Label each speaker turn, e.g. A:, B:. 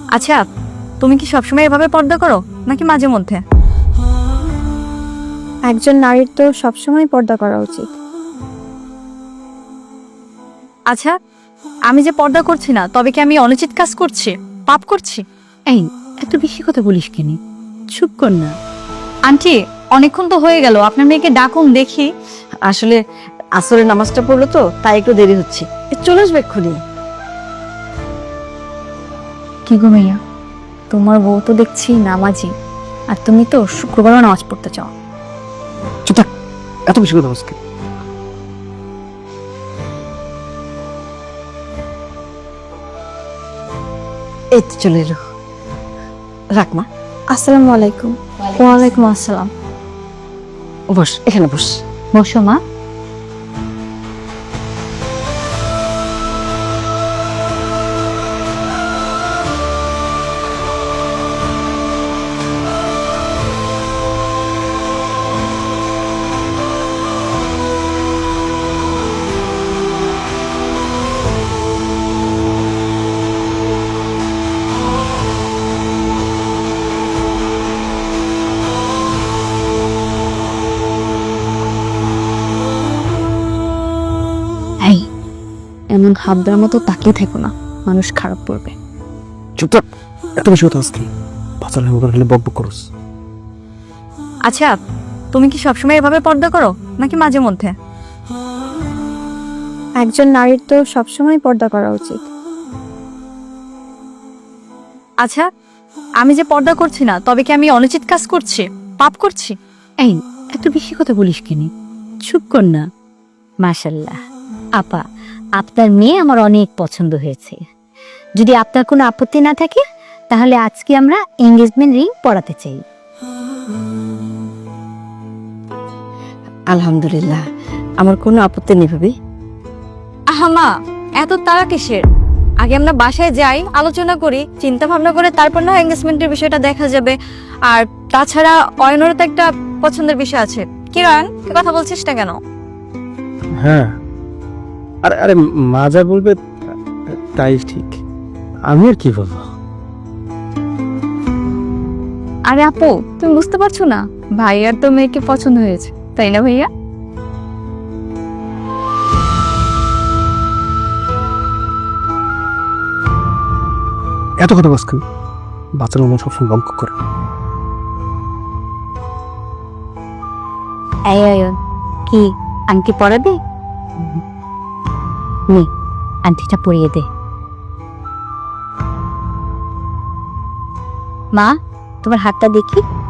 A: আচ্ছা, তুমি কি সবসময় এভাবে পর্দা করো নাকি মাঝে মধ্যে?
B: একজন নারীর তো সবসময় পর্দা করা উচিত।
A: আচ্ছা, আমি যে পর্দা করছি না, তবে কি আমি অনুচিত কাজ করছি, পাপ করছি?
C: এই এত বেশি কথা বলিস কেন? চুপ কর না।
A: আন্টি, অনেকক্ষণ তো হয়ে গেল, আপনার মেয়েকে ডাকুন দেখি।
C: আসলে আসরের নামাজটা পড়লো তো, তাই একটু দেরি হচ্ছে। চলে আসবে এক্ষুনি।
A: কি গো মাইয়া, তোমার বউ তো দেখছি নামাজি, আর তুমি তো শুক্রবারও নামাজ পড়তে চাও।
D: চুপ থাক, এত বেশি কথা বলছি।
C: এই তো চলে এলো। রাখ মা।
B: আসসালামু আলাইকুম।
A: ওয়ালাইকুম আসসালাম।
C: বস, এখানে বস।
A: বসো মা। এই, এমন হাত দেওয়ার মতো তাকিয়ে থেকো না, মানুষ খারাপ পড়বে।
D: চুপ থাক, এত বেশি কথা বলছি। বাচ্চার মতো খালি বক বক করস।
A: আচ্ছা, তুমি কি সবসময় এভাবে পর্দা করো নাকি মাঝে মধ্যে?
B: একজন নারীর তো সবসময় পর্দা করা উচিত।
A: আচ্ছা, আমি যে পর্দা করছি না, তবে কি আমি অনুচিত কাজ করছি, পাপ করছি?
C: এই এত বেশি কথা বলিস কেন? চুপ কর না। মাশাল্লাহ আপা, আপনার মেয়ে আমার অনেক পছন্দ হয়েছে। যদি আপনার কোনো আপত্তি না থাকে, তাহলে আজকে আমরা এঙ্গেজমেন্ট রিং পরাতে চাই। আলহামদুলিল্লাহ, আমার কোনো আপত্তি নেই ভাবি।
A: আহা মা, এত তাড়া কিসের? আগে আমরা বাসায় যাই, আলোচনা করি, চিন্তা ভাবনা করে তারপর না এঙ্গেজমেন্টের বিষয়টা দেখা যাবে। আর তাছাড়া অয়নেরও তো একটা পছন্দের বিষয় আছে। কি রয়ন, তুই কথা বলছিস না কেন?
D: হ্যাঁ, আরে আরে, মা যা বলবে তাই ঠিক। আমি আর কি বলবো?
A: আরে আপু, তুমি বুঝতে পারছো না, ভাইয়ার তো মেয়েকে পছন্দ হয়েছে, তাই না ভাইয়া?
D: এত কথা বলছ কেন? বাচ্চার মতো সবসময় বক করে।
C: এই অয়ন, কি আংটি পরাবে? নে, আংটিটা পরিয়ে দে। মা, তোমার হাতটা দেখি।